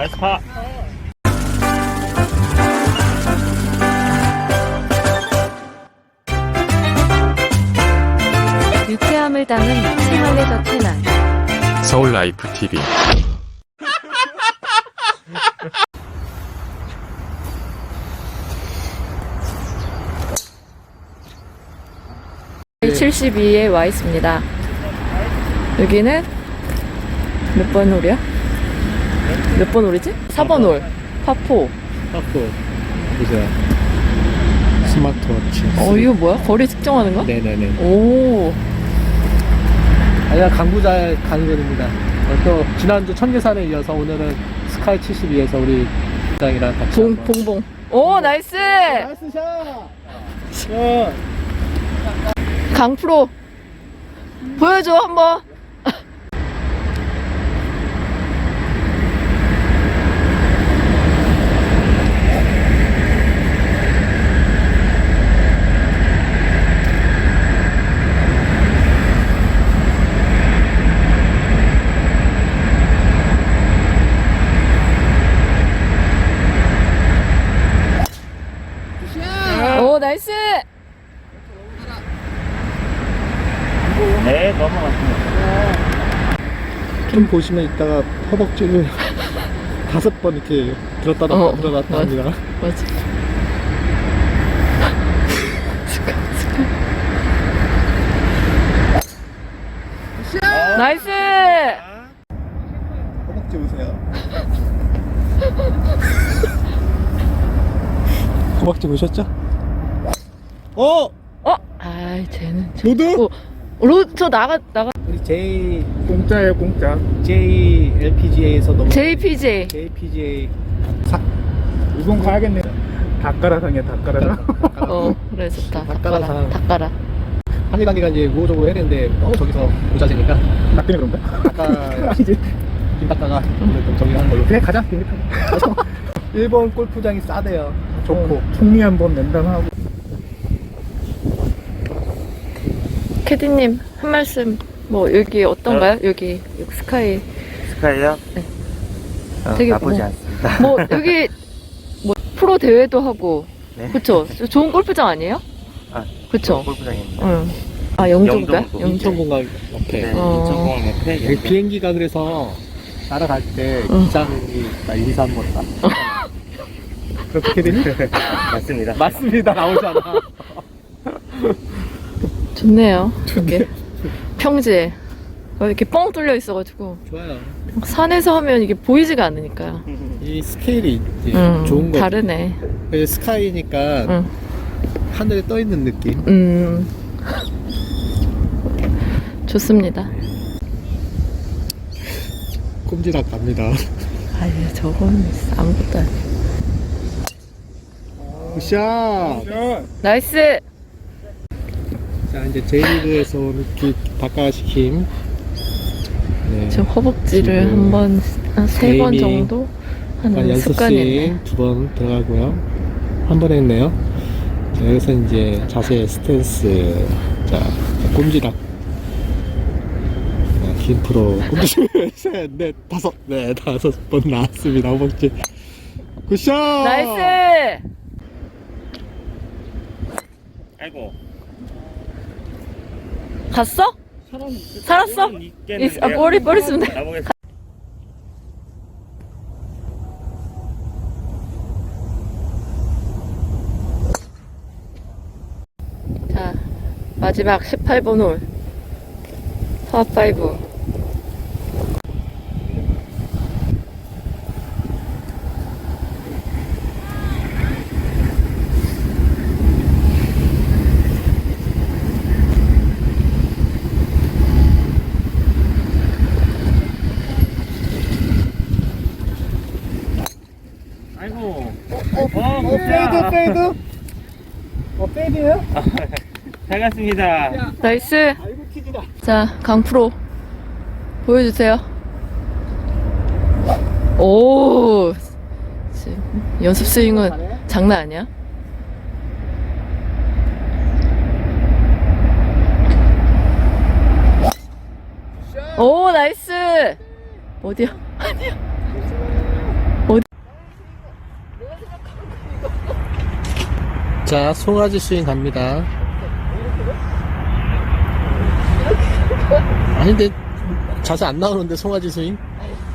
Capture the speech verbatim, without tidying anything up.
나이스 파. 유쾌함을 담은 생활의 더 채널 서울 라이프 티비. 칠십이에 와 있습니다. 여기는 몇 번 홀이야? 몇 번 홀이지? 사 번 홀. 파포. 파포. 보세요. 스마트워치. 어, 이거 뭐야? 거리 측정하는 거? 네네네. 오. 아니야, 강부잘 가는 길입니다. 어, 또 지난주 청계산에 이어서 오늘은 스카이 칠십이에서 우리 부장이랑 같이 봉, 한번. 봉봉. 오, 나이스! 나이스 샷! 샷! 강프로. 보여줘, 한번. 오, 나이스! 네, 넘어갔습니다. 좀 보시면 이따가 허벅지를 다섯 번 이렇게 들었다 놨다 어, 들었다 놨다 맞아. 합니다. 맞아. 스카, 스카. 나이스! 허벅지 보세요. 허벅지 보셨죠? 어! 어? 아이, 쟤는. 로드? 어, 로, 저 나가, 나가. 우리 J 공짜예요, 공짜. J 엘피지에이에서 너무 제이피제이. 제이피지에이 사 우선 가야겠네. 닭가라상이야, 닭가라상. 어, 그래, 좋다. 닭가라상. 닭가라. 한일 관계가 이제 우호적으로 해야 되는데 너무 저기서 모자지니까 나 때문에 그런가? 아까 아니지. 김 닦다가 오늘 좀 정리하는 걸로. 그래, 가자. 비행기 타고. 일본 골프장이 싸대요. 좋고. 총리 한번 면담하고. 캐디님, 한 말씀. 뭐, 여기 어떤가요? 여기, 여기 스카이. 스카이요? 네. 어, 되게 나쁘지 뭐- 않습니다. 뭐, 여기, 뭐, 프로 대회도 하고. 네. 그쵸? 좋은 골프장 아니에요? 아, 그쵸? 골프장입니다. 응. 아, 영종가? 영종도. 영종. 인천공항 옆에. 네, 어. 인천공항 옆에 여기 비행기가 그래서 날아갈 때 응. 기장이 나 일, 이, 삼 번 다. 그렇게 되니? 맞습니다. 맞습니다. 나오잖아. 좋네요. 여기. 평지에. 어, 이렇게 뻥 뚫려 있어가지고. 좋아요. 산에서 하면 이게 보이지가 않으니까요. 이 스케일이 이제 응, 좋은 거. 다르네. 스카이니까 응. 하늘에 떠 있는 느낌. 음. 좋습니다. 꼼지락 갑니다. 아유, 저건 아무것도 아니야. 굿샷! 나이스! 자, 이제 J리그에서 오늘 기 닭가시킴. 네. 지금 허벅지를 지금 한 번, 한 세 번 게이밍 정도 한 하는 습관이 있네. 연습 스윙 두 번 들어가고요. 한 번 했네요. 자, 여기서 이제 자세 스탠스. 자, 꼼지락. 자, 긴 프로. 꼼지락. 셋, 넷, 다섯. 네, 다섯 번 나왔습니다. 허벅지. 굿샷! 나이스! 아이고. 갔어? 살았어? 이- 아, 머리, 머리 쓰면 돼. 가보겠습니다. 자, 마지막 십팔 번 홀. 파파이브. 아이고. 어, 어, 어, 페이드, 페이드. 어, 페이드예요? 잘 갔습니다. 나이스! 아이고, 튀기다. 자, 강프로. 보여주세요. 오! 지금 연습 스윙은 장난 아니야? 오, 나이스! 어디야? 아니야. 자, 송아지 스윙 갑니다. 아닌데 자세 안 나오는데 송아지 스윙?